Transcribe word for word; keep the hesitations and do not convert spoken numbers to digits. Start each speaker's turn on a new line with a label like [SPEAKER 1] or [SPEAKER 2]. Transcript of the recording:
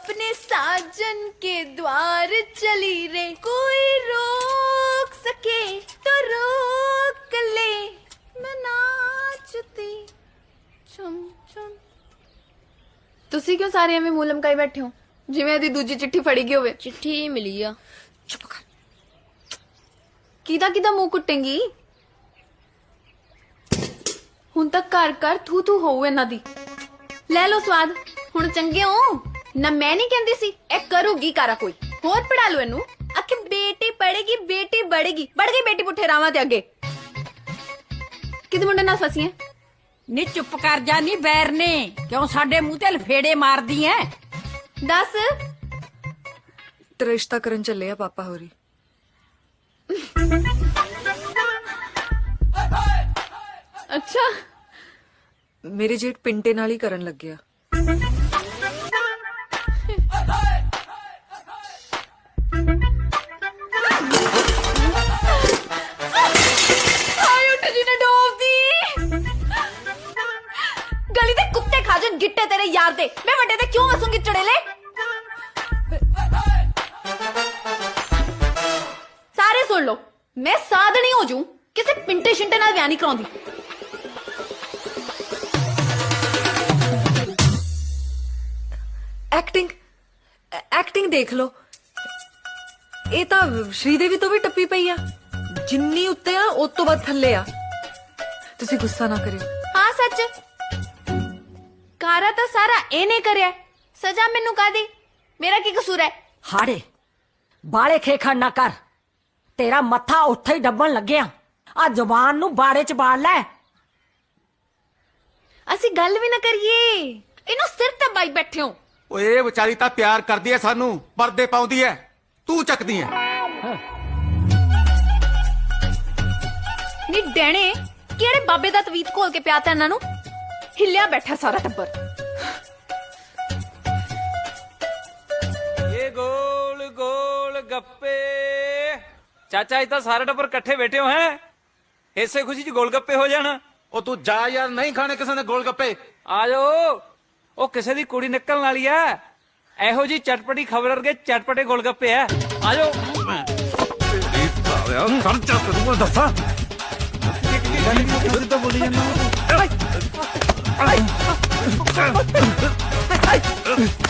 [SPEAKER 1] अपने साजन के द्वार चली रे, कोई रोक सके तो रोक ले, मैं नाचती चुम चुम। ਤੁਸੀਂ ਕਿਉਂ ਸਾਰੇ ਐਵੇਂ ਮੂੰਹ ਲਮਕਾਈ ਬੈਠੇ ਹੋ ਜਿਵੇਂ ਇਹਦੀ ਦੂਜੀ ਚਿੱਠੀ ਫੜੀ ਗਈ ਹੋਵੇ?
[SPEAKER 2] चिट्ठी मिली आ।
[SPEAKER 1] ਚੁੱਪ ਕਰ। ਕਿਹਦਾ ਕਿਹਦਾ ਮੂੰਹ ਕੁੱਟੇਂਗੀ? ਹੁਣ ਤੱਕ ਘਰ ਘਰ ਥੂ ਥੂ ਹੋਊ ਇਹਨਾਂ ਦੀ। ਲੈ ਲਓ ਸਵਾਦ। ਹੁਣ ਚੰਗੇ ਹੋ ਨਾ? ਮੈਂ ਨਹੀਂ ਕਹਿੰਦੀ ਸੀ ਇਹ ਕਰੂਗੀ ਕਾਰਾ ਕੋਈ ਹੋਰ। ਪੜਾ ਲਓ ਇਹਨੂੰ। ਆਖੇ ਬੇਟੀ ਪੜੇਗੀ ਬੇਟੀ ਬੜੇਗੀ, ਬੜ ਗਈ ਬੇਟੀ ਪੁੱਠੇ ਰਾਵਾਂ ਤੇ ਅੱਗੇ। ਕਿਹਦੇ ਮੁੰਡੇ ਨਾਲ ਫਸੀ ਐ?
[SPEAKER 2] ਨੀ ਚੁੱਪ ਕਰ ਜਾ ਨੀ ਬੈਰ ਨੇ, ਕਿਉਂ ਸਾਡੇ ਮੂੰਹ ਤੇ ਲਫੇੜੇ ਮਾਰਦੀ ਐ?
[SPEAKER 1] ਦੱਸ।
[SPEAKER 3] ਤੇ ਰਿਸ਼ਤਾ ਕਰਨ ਚੱਲੇ ਆ ਪਾਪਾ ਹੋਰੀ।
[SPEAKER 1] ਅੱਛਾ,
[SPEAKER 3] ਮੇਰੇ ਜੇਠ ਪਿੰਟੇ ਨਾਲ ਹੀ ਕਰਨ ਲੱਗਿਆ।
[SPEAKER 1] ਹਾਏ ਉੱਠ ਜੀ ਨੇ ਡੋਬਦੀ। ਗਲੀ ਦੇ ਕੁੱਤੇ ਖਾ ਜਾਣ ਗਿੱਟੇ ਤੇਰੇ ਯਾਰ ਦੇ, ਮੈਂ ਵੱਡੇ ਤੇ ਕਿਉਂ ਹੱਸੂੰਗੀ ਚੜੇਲੇ? ਸਾਰੇ ਸੁਣ ਲਓ, ਮੈਂ ਸਾਧਣੀ ਹੋ ਜੂ, ਕਿਸੇ ਪਿੰਟੇ ਸ਼ਿੰਟੇ ਨਾਲ ਵਿਆਹ ਨਹੀਂ ਕਰਾਉਂਦੀ।
[SPEAKER 3] ਐਕਟਿੰਗ ਐਕਟਿੰਗ ਦੇਖ ਲਓ, ਇਹ ਤਾਂ ਸ਼੍ਰੀਦੇਵੀ ਤੋਂ ਵੀ ਟੱਪੀ ਪਈ ਆ। ਜਿੰਨੀ ਉੱਤੇ ਆ ਉਸ ਤੋਂ ਵੱਧ ਥੱਲੇ ਆ। ਤੁਸੀਂ ਗੁੱਸਾ ਨਾ ਕਰਿਓ।
[SPEAKER 1] ਹਾਂ ਸੱਚ, ਕਾਰਾ ਤਾਂ ਸਾਰਾ ਇਹਨੇ ਕਰਿਆ, ਸਜ਼ਾ ਮੈਨੂੰ ਕਾਦੀ? ਮੇਰਾ ਕੀ ਕਸੂਰ ਹੈ?
[SPEAKER 2] ਹਾੜੇ ਬਾਲੇ ਖੇਖਣ ਨਾ ਕਰ, ਤੇਰਾ ਮੱਥਾ ਉੱਥੇ ਹੀ ਡੱਬਣ ਲੱਗਿਆ। ਆ ਜ਼ੁਬਾਨ ਨੂੰ ਬਾੜੇ ਚ ਬਾੜ ਲੈ।
[SPEAKER 1] ਅਸੀਂ ਗੱਲ ਵੀ ਨਾ ਕਰੀਏ, ਇਹਨੂੰ ਸਿਰ ਤੇ ਬਾਈ ਬੈਠੇ ਹੋ।
[SPEAKER 4] ਓਏ ਵਿਚਾਰੀ ਤਾਂ ਪਿਆਰ ਕਰਦੀ ਐ ਸਾਨੂੰ, ਪਰਦੇ ਪਾਉਂਦੀ ਐ, ਤੂੰ ਚੱਕਦੀ ਐ।
[SPEAKER 1] ਨੀ ਡੈਣੇ, ਕਿਹੜੇ ਬਾਬੇ ਦਾ ਤਵੀਤ ਖੋਲ ਕੇ ਪਿਆਤਾ ਇਹਨਾਂ ਨੂੰ? ਹਿੱਲਿਆ ਬੈਠਾ ਸਾਰਾ ਟੱਬਰ।
[SPEAKER 5] ये गोल गोल गप्पे। चाचा इतना सारे टब्बर इकट्ठे बैठे हो हैं, ऐसे खुशी च गोल गप्पे हो जाना।
[SPEAKER 4] ਉਹ ਤੂੰ ਜਾ ਯਾਰ, ਨਹੀਂ ਖਾਣੇ ਕਿਸੇ ਨੇ ਗੋਲ ਗੱਪੇ।
[SPEAKER 5] आ जाओ, ਉਹ ਕਿਸੇ ਦੀ ਕੁੜੀ ਨਿਕਲਣ ਵਾਲੀ ਐ, ਇਹੋ ਜੀ ਚਟਪਟੀ ਖਬਰ ਵਰਗੇ ਚਟਪਟੇ ਗੋਲ ਗੱਪੇ ਐ। ਆ ਜਾਓ।
[SPEAKER 4] ਖਰਚਾ ਕਰੂੰਗਾ ਦੱਸਾਂ। ਤਾਂ ਬੋਲੀ ਜਾਂਦਾ।